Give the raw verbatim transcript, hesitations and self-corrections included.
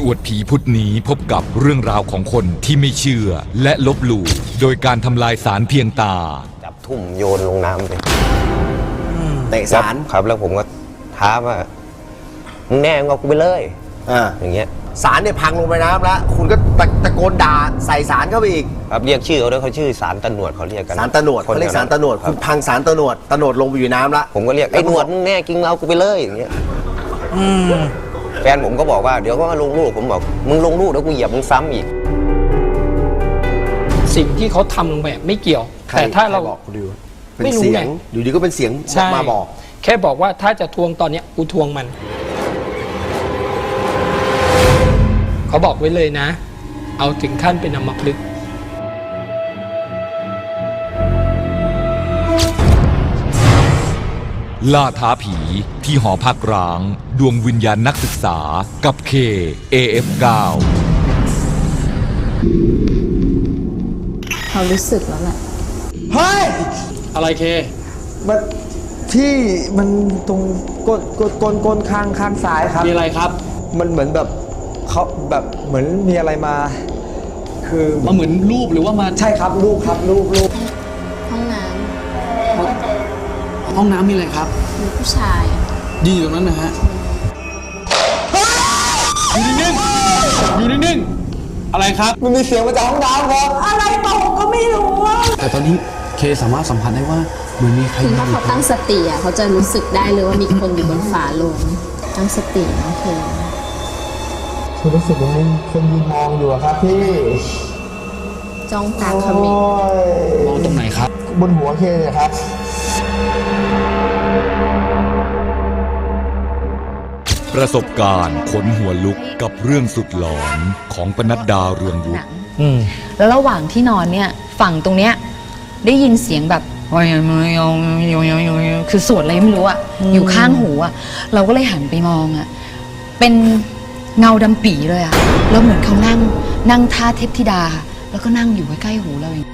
อวดผีพุธนี้พบกับเรื่องราวของคนที่ไม่เชื่อและลบหลู่โดยการทำลายสารเพียงตาจับทุ่มโยนลงน้ำไปเตะสารครับแล้วผมก็ท้าว่ามึงแน่มึงเอากูไปเลยอ่าอย่างเงี้ยสารเนี่ยพังลงไปน้ำแล้วคุณก็ตะโกนด่าใส่สารเข้าไปอีกครับเรียกชื่อเขาด้วยเขาชื่อสารตะหนวดเขาเรียกกันสารตะหนวดเขาเรียกสารตะหนวดคุณพังสารตะหนวดตะหนวดลงไปอยู่น้ำละผมก็เรียกไอ้หนวดมึงแน่จริงเอากูไปเลยอย่างเงี้ยแฟนผมก็บอกว่าเดี๋ยวก็มาลงลูกผมบอกมึงลงลูกแล้วกูเหยียบมึงซ้ำอีกสิ่งที่เขาทำลงไปไม่เกี่ยวแต่ถ้าเราบอกคุณดิวเป็นเสียงอยู่ดีก็เป็นเสียงมาบอกแค่บอกว่าถ้าจะทวงตอนเนี้ยกูทวงมันเขาบอกไว้เลยนะเอาถึงขั้นเป็นอัมพฤกษ์ล่าท้าผีที่หอพักร้างดวงวิญญาณนักศึกษากับเค เอ เอฟ เก้าเขารู้สึกแล้วแหละเฮ้ยอะไรเคมันที่มันตรงก้นก้นก้นก้นข้างข้างซ้ายครับมีอะไรครับมันเหมือนแบบเขาแบบเหมือนมีอะไรมาคือมาเหมือนรูปหรือว่ามาใช่ครับรูปครับรูปรูปห้องน้ำห้องน้ำมีอะไรครับมีผู้ชายยืนอยู่ตรงนั้นนะฮะอยู่นิ่งๆอยู่นิ่งๆอะไรครับมันมีเสียงมาจากห้องน้ำครับอะไรตกก็ไม่รู้แต่ตอนนี้เคสามารถสัมผัสได้ว่าเหมือนมีใครคือถ้าเขาตั้งสติอ่ะเขาจะรู้สึกได้เลยว่ามีคนอยู่บนฝาโลงตั้งสติโอเคคือรู้สึกว่ามีคนยืนมองอยู่ครับพี่จ้องตาเขมิบมองตรงไหนครับบนหัวเคเนี่ยครับประสบการณ์ขนหัวลุกกับเรื่องสุดหลอนของปนัดดาเรืองวุฒิแล้วระหว่างที่นอนเนี่ยฝั่งตรงเนี้ยได้ยินเสียงแบบคือสวดอะไรไม่รู้อะอยู่ข้างหูอะเราก็เลยหันไปมองอะเป็นเงาดำปี่เลยอะแล้วเหมือนเขานั่งนั่งท่าเทพธิดาแล้วก็นั่งอยู่ใกล้ๆหูเราอย่าง